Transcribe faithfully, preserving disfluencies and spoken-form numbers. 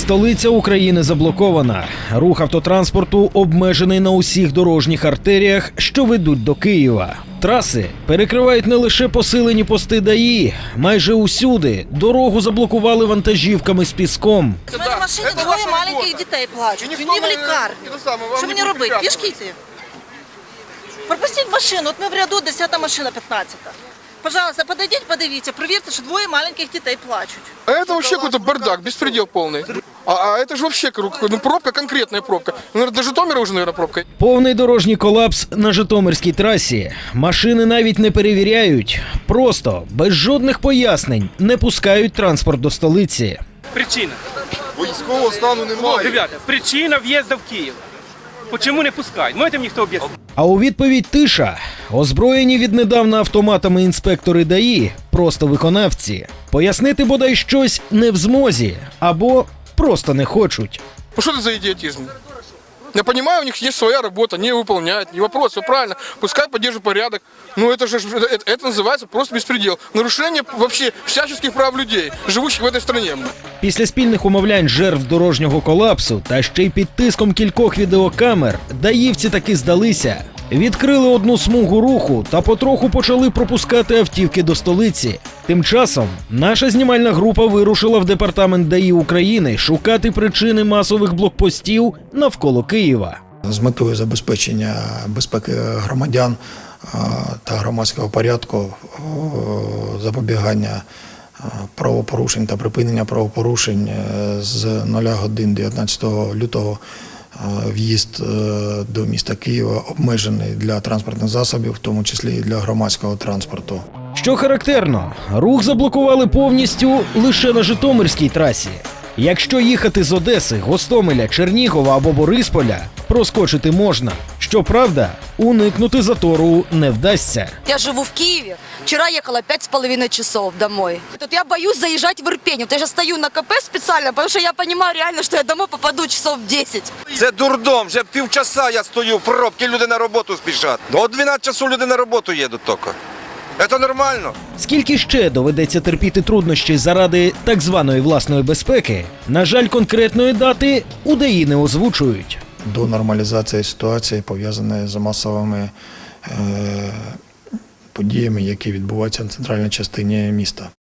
Столиця України заблокована. Рух автотранспорту обмежений на усіх дорожніх артеріях, що ведуть до Києва. Траси перекривають не лише посилені пости ДАІ. Майже усюди дорогу заблокували вантажівками з піском. У мене в машині двоє маленьких дітей плачуть. Ні в лікарні. Що мені робити? Пішки йти? Пропустіть машину. От ми в ряду, десята машина, п'ятнадцята. Пожалуйста, подойдите, подивіться, провірте, що двоє маленьких дітей плачуть. А это вообще какой-то бардак, беспредел полный. А, а это же вообще ну, пробка, конкретная пробка. Ну, до Житомира уже, наверное, пробка. Повний дорожній колапс на Житомирській трасі. Машини навіть не перевіряють. Просто, без жодних пояснень, не пускають транспорт до столиці. Причина. Військового стану немає. Ребята, причина в'їзду в Київ. Чому не пускають? Можете мені хто об'яснити? А у відповідь тиша. Озброєні віднедавна автоматами інспектори ДАІ, просто виконавці. Пояснити бодай щось не в змозі, або просто не хочуть. Ну что это за идиотизм? Я понимаю, у них есть своя работа, не выполняют, не вопрос, все правильно, пускай поддерживают порядок. Но это же это, это называется просто беспредел. Нарушение вообще всяческих прав людей, живущих в этой стране. Після спільних умовлянь жертв дорожнього колапсу та ще й під тиском кількох відеокамер даївці таки здалися. Відкрили одну смугу руху та потроху почали пропускати автівки до столиці. Тим часом наша знімальна група вирушила в департамент ДАІ України шукати причини масових блокпостів навколо Києва. З метою забезпечення безпеки громадян та громадського порядку, запобігання правопорушень та припинення правопорушень з нуля годин дев'ятнадцятого лютого в'їзд до міста Києва обмежений для транспортних засобів, в тому числі і для громадського транспорту. Що характерно, рух заблокували повністю лише на Житомирській трасі. Якщо їхати з Одеси, Гостомеля, Чернігова або Борисполя, проскочити можна. Щоправда, уникнути затору не вдасться. Я живу в Киеве. Вчера ехала пять с половиной часов домой. Тут я боюсь заезжать в Ирпень. Вот я сейчас стою на КП специально, потому что я понимаю реально, что я домой попаду часов в десять. Це дурдом, вже півчаса я стою в пробці, люди на роботу спішать. До дванадцяти часу люди на роботу їдуть тільки. Це нормально. Скільки ще доведеться терпіти труднощі заради так званої власної безпеки, на жаль, конкретної дати у ДАІ не озвучують. До нормалізації ситуації, пов'язаної з масовими е, подіями, які відбуваються на центральній частині міста.